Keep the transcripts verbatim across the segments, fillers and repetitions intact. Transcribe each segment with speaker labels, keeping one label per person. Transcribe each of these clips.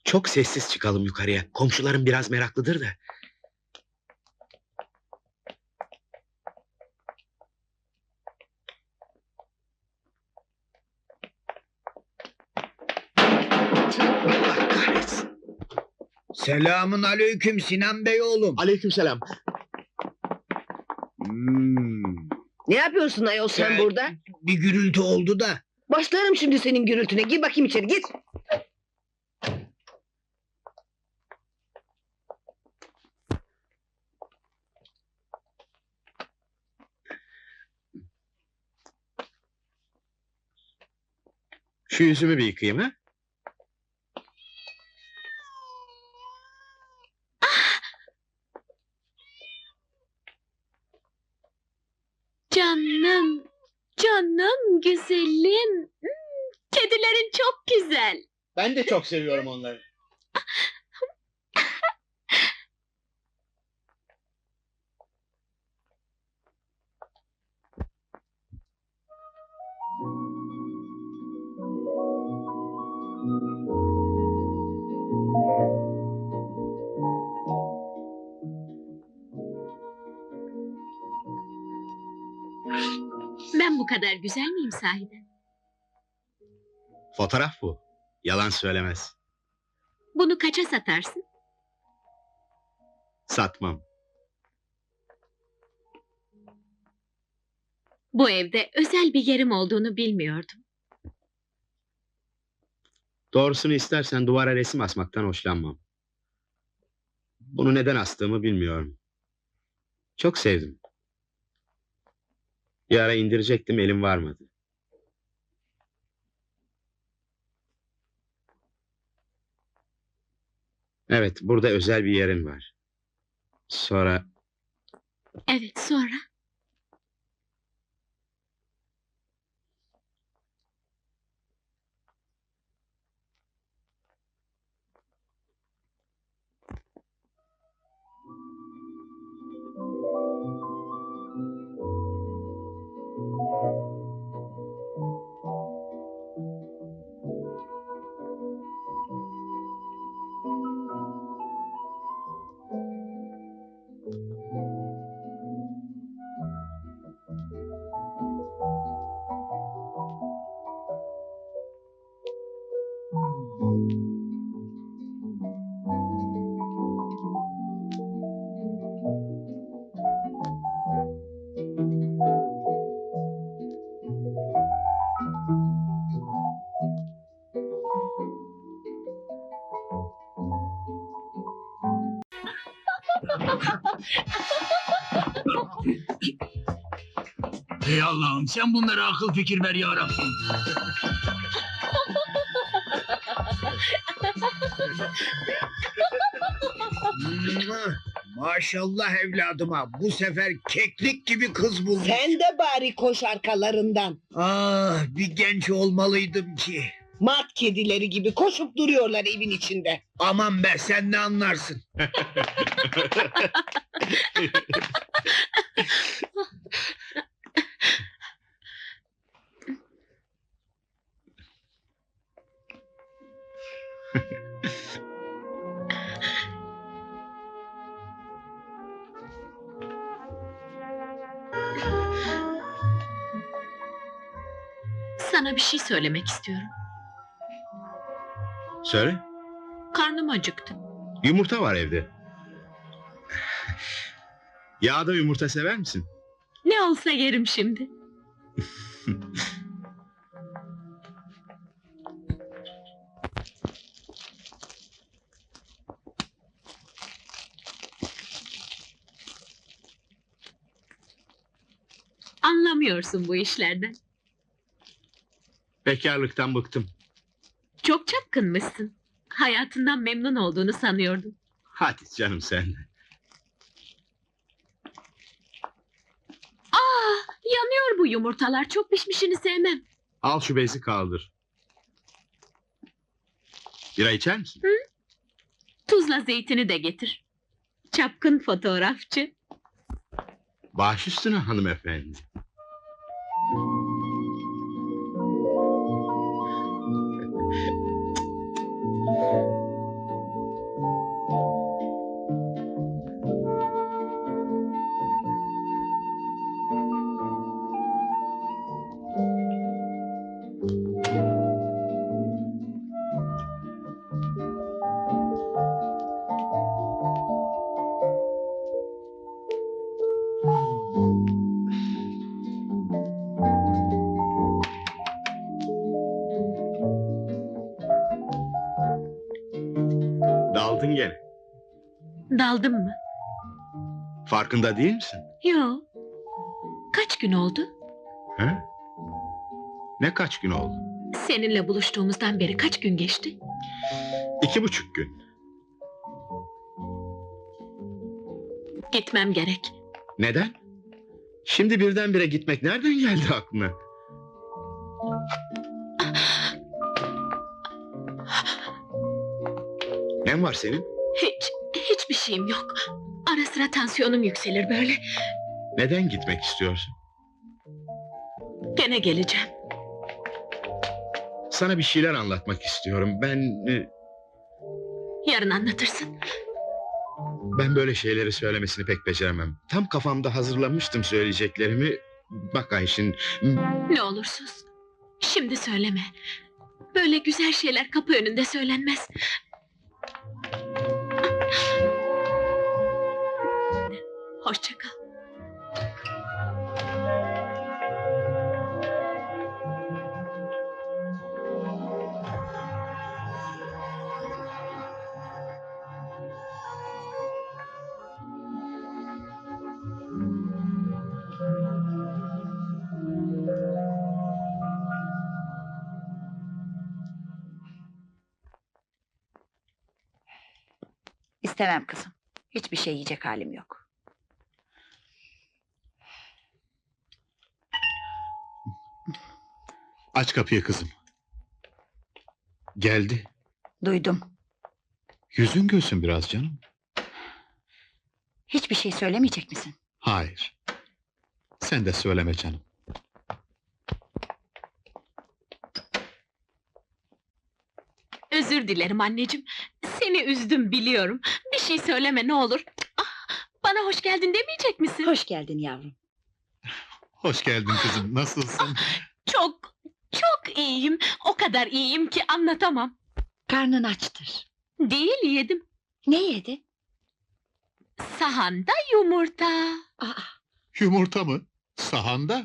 Speaker 1: Çok sessiz çıkalım yukarıya. Komşularım biraz meraklıdır da. Allah kahretsin.
Speaker 2: Selamun aleyküm Sinan Bey oğlum.
Speaker 1: Aleykümselam.
Speaker 2: Hmm,
Speaker 3: Ne yapıyorsun ayol sen
Speaker 2: Ee,
Speaker 3: burada?
Speaker 2: bir gürültü oldu da.
Speaker 3: Başlarım şimdi senin gürültüne. Gir bakayım içeri git.
Speaker 1: Şu yüzümü bir yıkayayım ha?
Speaker 4: Canım, canım, güzelim. Hmm, Kedilerin çok güzel.
Speaker 1: Ben de çok seviyorum onları.
Speaker 4: Ben bu kadar güzel miyim sahiden?
Speaker 1: Fotoğraf bu. Yalan söylemez.
Speaker 4: Bunu kaça satarsın?
Speaker 1: Satmam.
Speaker 4: Bu evde özel bir yerim olduğunu bilmiyordum.
Speaker 1: Doğrusunu istersen duvara resim asmaktan hoşlanmam. Bunu neden astığımı bilmiyorum. Çok sevdim. Bir ara indirecektim, elim varmadı. Evet, burada özel bir yerin var. Sonra
Speaker 4: Evet, sonra?
Speaker 2: Ey Allah'ım sen bunlara akıl fikir ver ya Rabbim. Maşallah evladıma bu sefer keklik gibi kız bulmuş.
Speaker 3: Sen de bari koş arkalarından.
Speaker 2: Ah bir genç olmalıydım ki.
Speaker 3: Mart kedileri gibi koşup duruyorlar evin içinde.
Speaker 2: Aman be sen ne anlarsın.
Speaker 4: Sana bir şey söylemek istiyorum.
Speaker 1: söyle.
Speaker 4: Karnım acıktı.
Speaker 1: Yumurta var evde. Yağda yumurta sever misin?
Speaker 4: Ne olsa yerim şimdi. Anlamıyorsun bu işlerden.
Speaker 1: Bekarlıktan bıktım.
Speaker 4: Çok çapkınmışsın. Hayatından memnun olduğunu sanıyordum.
Speaker 1: Hadi canım sen.
Speaker 4: Aa, yanıyor bu yumurtalar. Çok pişmişini sevmem.
Speaker 1: Al şu bezi kaldır. Bira içer misin?
Speaker 4: Tuzla zeytini de getir. Çapkın fotoğrafçı.
Speaker 1: Baş üstüne hanımefendi. Daldın gene.
Speaker 4: Daldım mı?
Speaker 1: Farkında değil misin?
Speaker 4: Yo. Kaç gün oldu?
Speaker 1: He? Ne kaç gün oldu?
Speaker 4: Seninle buluştuğumuzdan beri kaç gün geçti?
Speaker 1: İki buçuk gün.
Speaker 4: Gitmem gerek.
Speaker 1: Neden? Şimdi birdenbire gitmek nereden geldi aklına? Ne var senin?
Speaker 4: Hiç, hiçbir şeyim yok. Ara sıra tansiyonum yükselir böyle.
Speaker 1: Neden gitmek istiyorsun?
Speaker 4: Gene geleceğim.
Speaker 1: Sana bir şeyler anlatmak istiyorum. Ben... e,
Speaker 4: Yarın anlatırsın.
Speaker 1: Ben böyle şeyleri söylemesini pek beceremem. Tam kafamda hazırlamıştım söyleyeceklerimi. Bak Ayşin...
Speaker 4: Ne olur sus. Şimdi söyleme. Böyle güzel şeyler kapı önünde söylenmez. Hoşça kal.
Speaker 5: İstemem kızım. Hiçbir şey yiyecek halim yok.
Speaker 6: Aç kapıyı kızım. Geldi.
Speaker 5: Duydum.
Speaker 6: Yüzün gülsün biraz canım.
Speaker 5: Hiçbir şey söylemeyecek misin?
Speaker 6: Hayır. Sen de söyleme canım.
Speaker 4: Özür dilerim anneciğim. Seni üzdüm biliyorum. Bir şey söyleme ne olur. Ah, bana hoş geldin demeyecek misin?
Speaker 5: Hoş geldin yavrum.
Speaker 6: Hoş geldin kızım. Nasılsın?
Speaker 4: Çok, çok iyiyim. O kadar iyiyim ki anlatamam.
Speaker 5: Karnın açtır.
Speaker 4: Değil yedim.
Speaker 5: Ne yedi?
Speaker 4: Sahanda yumurta.
Speaker 5: Aa,
Speaker 6: Yumurta mı? Sahanda?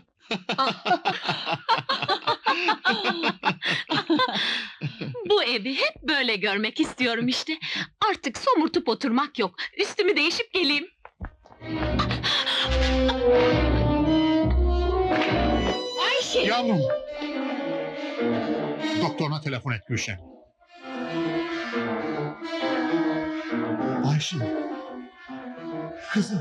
Speaker 4: Bu evi hep böyle görmek istiyorum işte. Artık somurtup oturmak yok. Üstümü değişip geleyim.
Speaker 5: Ayşe!
Speaker 6: Yavrum! Doktoruna telefon et Gülşen. Ayşe! Kızım!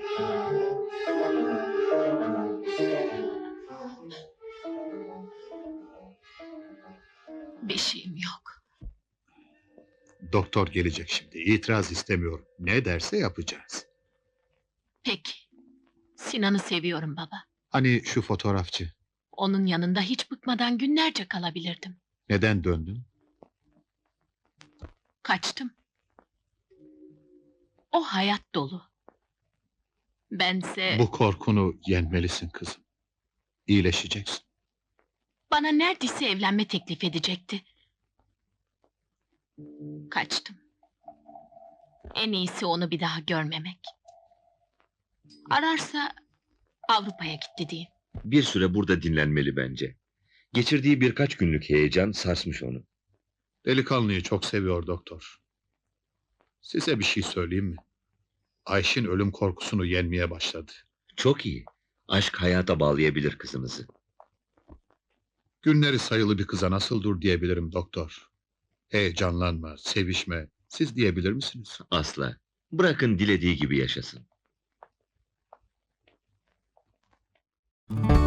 Speaker 4: Bir şeyim yok.
Speaker 6: Doktor gelecek şimdi. İtiraz istemiyorum. Ne derse yapacağız.
Speaker 4: Peki. Sinan'ı seviyorum baba.
Speaker 6: Hani şu fotoğrafçı.
Speaker 4: Onun yanında hiç bıkmadan günlerce kalabilirdim.
Speaker 6: Neden döndün?
Speaker 4: Kaçtım. O hayat dolu. Bense
Speaker 6: Bu korkunu yenmelisin kızım. İyileşeceksin.
Speaker 4: bana neredeyse evlenme teklif edecekti. Kaçtım. En iyisi onu bir daha görmemek. Ararsa Avrupa'ya gitti diyeyim.
Speaker 7: Bir süre burada dinlenmeli bence. Geçirdiği birkaç günlük heyecan sarsmış onu.
Speaker 6: Delikanlıyı çok seviyor doktor. Size bir şey söyleyeyim mi? Ayşin ölüm korkusunu yenmeye başladı.
Speaker 7: Çok iyi. Aşk hayata bağlayabilir kızımızı.
Speaker 6: Günleri sayılı bir kıza nasıl dur diyebilirim doktor. Heyecanlanma, sevişme. Siz diyebilir misiniz?
Speaker 7: Asla. Bırakın dilediği gibi yaşasın.